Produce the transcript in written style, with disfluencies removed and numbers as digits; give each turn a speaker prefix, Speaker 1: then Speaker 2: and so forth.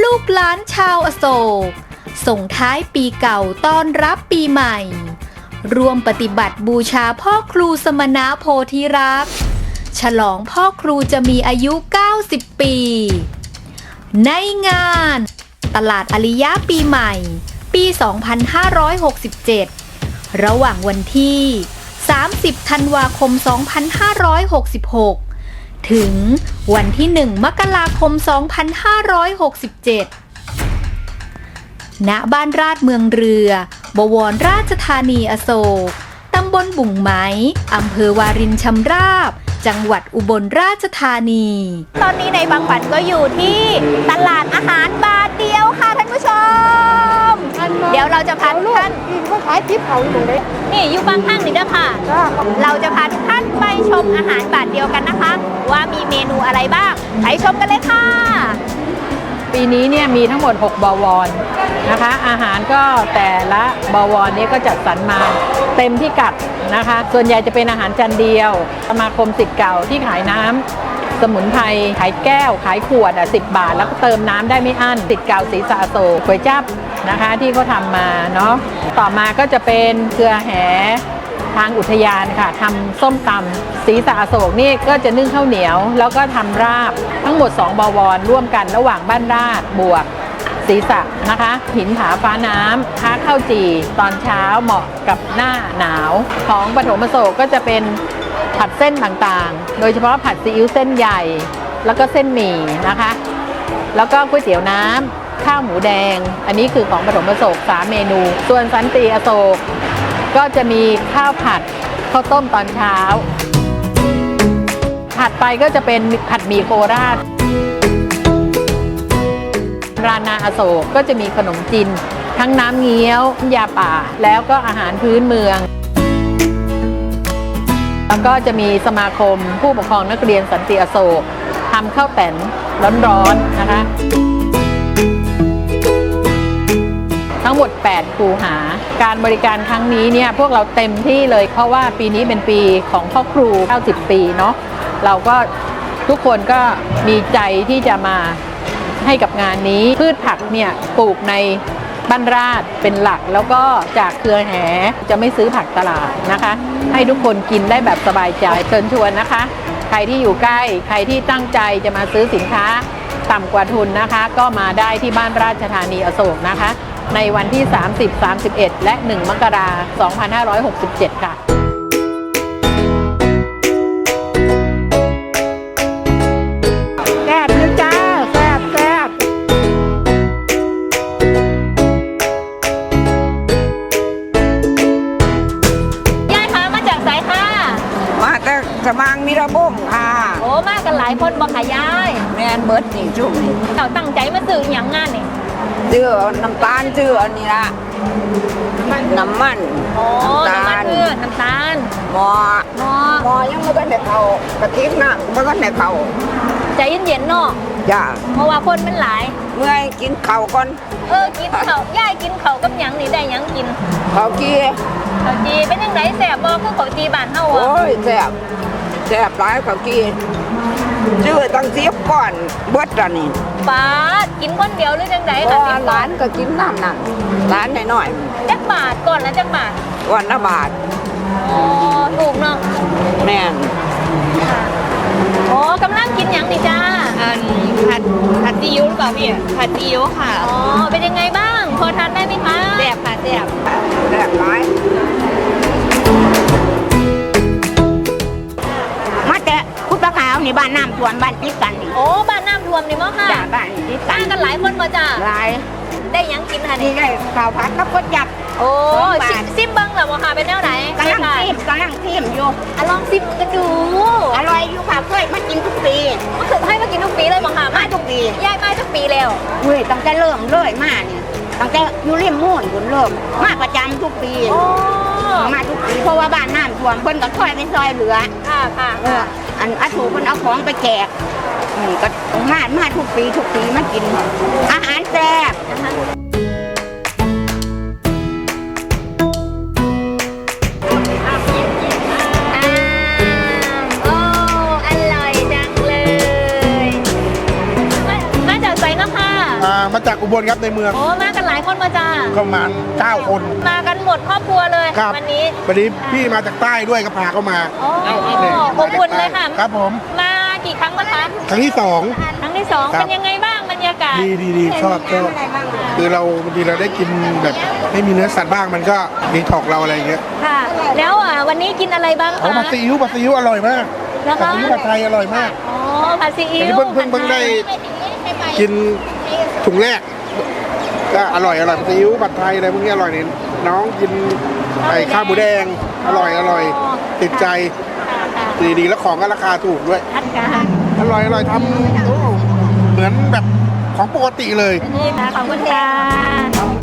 Speaker 1: ลูกหลานชาวอโศกส่งท้ายปีเก่าต้อนรับปีใหม่ร่วมปฏิบัติบูชาพ่อครูสมณะโพธิรักษ์ฉลองพ่อครูจะมีอายุ90 ปีในงานตลาดอาริยะปีใหม่ปี 2567 ระหว่างวันที่ 30 ธันวาคม 2566 ถึงวันที่ 1 มกราคม 2567 ณ บ้านราชเมืองเรือบวรราชธานีอโศกตำบลบุ่งไม้อำเภอวารินชำราบจังหวัดอุบลราชธานี ตอนนี้ในบางขวัญก็อยู่ที่ตลาดอาหารบาทเดียวค่ะท่านผู้ชม เดี๋ยวเราจะพาทุกท่าน
Speaker 2: ก็ขายทิพย์เขาอยู่เลย
Speaker 1: นี่อยู่บางข้างนี่ด้วยค่ะ เราจะพาทุกท่านไปชมอาหารบาทเดียวกันนะคะ ว่ามีเมนูอะไรบ้างไปชมกันเลยค่ะ
Speaker 2: ปีนี้เนี่ยมีทั้งหมด6บวรนะคะอาหารก็แต่ละบวรนี้ก็จัดสรรมาเต็มพิกัดนะคะส่วนใหญ่จะเป็นอาหารจานเดียวสมาคมศิษย์เก่าที่ขายน้ำสมุนไพรขายแก้วขายขวด10 บาทแล้วก็เติมน้ำได้ไม่อั้นศิษย์เก่าศรีสะโศกก๋วยจั๊บนะคะที่เขาทำมาเนาะต่อมาก็จะเป็นเครือแหทางอุทยานค่ะทำส้มตำศรีสะโศกนี่ก็จะนึ่งข้าวเหนียวแล้วก็ทำราบทั้งหมด2บวรร่วมกันระหว่างบ้านราชบวกศรีสะนะคะหินผาฟ้าน้ำค้าข้าวจี่ตอนเช้าเหมาะกับหน้าหนาวของปฐมอโศกก็จะเป็นผัดเส้นต่างๆโดยเฉพาะผัดซีอิ๊วเส้นใหญ่แล้วก็เส้นหมี่นะคะแล้วก็ก๋วยเตี๋ยวน้ำข้าวหมูแดงอันนี้คือของปฐมอโศก3 เมนูส่วนสันติอโศกก็จะมีข้าวผัดข้าวต้มตอนเช้าถัดไปก็จะเป็นผัดหมี่โคราชรานาอโศกก็จะมีขนมจีนทั้งน้ำเงี้ยวยาป่าแล้วก็อาหารพื้นเมืองแล้วก็จะมีสมาคมผู้ปกครองนักเรียนสันติอโศกทำข้าวแต่นร้อนๆนะคะทั้งหมด8คูหาการบริการครั้งนี้เนี่ยพวกเราเต็มที่เลยเพราะว่าปีนี้เป็นปีของพ่อครู90 ปีเนาะเราก็ทุกคนก็มีใจที่จะมาให้กับงานนี้พืชผักเนี่ยปลูกในบ้านราชเป็นหลักแล้วก็จากเครือแหจะไม่ซื้อผักตลาดนะคะให้ทุกคนกินได้แบบสบายใจเชิญชวนนะคะใครที่อยู่ใกล้ใครที่ตั้งใจจะมาซื้อสินค้าต่ำกว่าทุนนะคะก็มาได้ที่บ้านราชธานีอโศกนะคะในวันที่ 30, 31 และ 1 มกราคม 2567 ค่ะแซ่บนะจ้าแซ่บ
Speaker 1: ยายคะมาจากไสค่ะ
Speaker 3: มาแต่สมางมีระบุมค่ะ
Speaker 1: โอ้มากันหลายคนบ่ค่ะยาย
Speaker 3: แม่นเบิดนี่จุ่มนี่
Speaker 1: เราตั้งใจมาซื้ออย่างงานนี่
Speaker 3: ซื้อน้ำตาลซื้ออันนี้ละน้ำมัน
Speaker 1: โอ้น้ำมันน้ำตาล
Speaker 3: หมอยังไม่กันในเขากระติกน้ำไม่กันในเขา
Speaker 1: ใจเย็นๆเนาะ
Speaker 3: จ้า
Speaker 1: เพราะว่าคนมันหลาย
Speaker 3: เมื่อยกินข้าวก่อน
Speaker 1: กินข้าวยายกินข้าวกับหยังนี่ได้หยังกิน
Speaker 3: ข้าวจี
Speaker 1: เป็นยังไงแซ่บบ่คือข้าวจีบ้านเฮาอ่ะ
Speaker 3: โอ้ยแซ่บหลายข้าวจีซื้อตั้ง10 ก้อนเบิดอันนี้
Speaker 1: ป้ากินคนเดียวหรือจังไดค่ะ
Speaker 3: 10 ก้อนก็กินน้ำนั่นร้านน้อย
Speaker 1: ๆจักบาทก่อนละจักบาท
Speaker 3: วันละบาท
Speaker 1: อ๋อถูกเนาะ
Speaker 3: แม่น
Speaker 1: อ๋อกำลังกินหยังนี่จ้า
Speaker 4: ผัดซีอิ๊วหรือเปล่าพี่ผัดซีอิ๊วค่ะ
Speaker 1: อ๋อเป็นยังไงบ้างพอทานได้ไหมคะ
Speaker 4: แซ่บค่ะแซ่บ
Speaker 3: หลาย
Speaker 4: มาแต่คุณปลาขาวนี่บ้านน้ำท่วมบ้านติดกันนี่
Speaker 1: โอ้บ้านน้ำท่วมนี่มั้งค่ะ
Speaker 4: จ้าบ้านติด
Speaker 1: กันหลายคนมาจ้า
Speaker 4: หลาย
Speaker 1: ได้ยังกินค่ะ
Speaker 4: นี่ได้ข้าวผัดกับก๋วยจั๊บ
Speaker 1: โอ้ซิมเบิ้งเหรอวะค่ะเป็นแนวไหน
Speaker 4: กำลังทิมอยู่
Speaker 1: ลองซิมกันดู
Speaker 4: อร่อยอยู่ค่ะเคยมากินทุกปี
Speaker 1: เคยให้มากินทุกปีเลยมั้งค่ะ
Speaker 4: มาทุกปี
Speaker 1: ยายมาทุกปีแล้ว
Speaker 4: เฮ้ยตั้งแต่เริ่มเลยมาเนี่ยตั้งแต่อยู่ริมมุ่นคุณเริ่มมาประจำทุกปีมาทุกปีเพราะว่าบ้านน้ำท่วมเพิ่นก็ค่อยไปซอยเหลือ
Speaker 1: ค่ะ
Speaker 4: อันอาถูเพิ่นเอาของไปแจกนี่ก็มาทุกปีมากินอาหารแซ่บ
Speaker 1: มาจากไสเนาะค่ะ
Speaker 5: มาจากอุบลครับในเมือง
Speaker 6: โอ้มากันหลายคนมาจ้า
Speaker 5: ประมาณ9 คน
Speaker 6: มากันหมดครอบครัวเลย
Speaker 5: ครับ
Speaker 6: วันนี้
Speaker 5: วันนี้พี่มาจากใต้ด้วยก็พาเข้ามา
Speaker 6: โอ้
Speaker 5: เนี่ย
Speaker 6: อบอุ่นเลยค่ะ
Speaker 5: ครับผม
Speaker 6: มากี่ครั้งแล้วคะ
Speaker 5: ครั้งที่สอง
Speaker 6: ครั้งที่สอง
Speaker 5: ครับ
Speaker 6: เป็นยังไงบ้างบรรยากาศ
Speaker 5: ดีชอบคือเราบางทีเราได้กินแบบไม่มีเนื้อสัตว์บ้างมันก็ดีท็อกเราอะไรอย่างเงี้ย
Speaker 6: ค่ะ แล้ววันนี้กินอะไรบ้าง
Speaker 5: โอ้
Speaker 6: คะ
Speaker 5: ผัดซีอิ๊วอร่อยมาก
Speaker 6: แล้ว
Speaker 5: ผั
Speaker 6: ก็
Speaker 5: ดซีอิ๊วผัดไทยอร่อยมาก
Speaker 6: อ๋อผัดซีอิ๊
Speaker 5: อันนี้
Speaker 6: ว
Speaker 5: เพิ่งได้กินถุงแรกก็อร่อยผัดซีอิ๊วผัดไทยอะไรพวกนี้อร่อยนี่น้องกินไอ้ข้าวหมูแดงอร่อยติดใจ
Speaker 6: ค่ะ
Speaker 5: ดีแล้วของก็ราคาถูกด้วย
Speaker 6: ทัดกัน
Speaker 5: อร่อยทำโอ้เหมือนแบบของปกติเลย
Speaker 6: นี่ค่ะขอบคุณค่ะ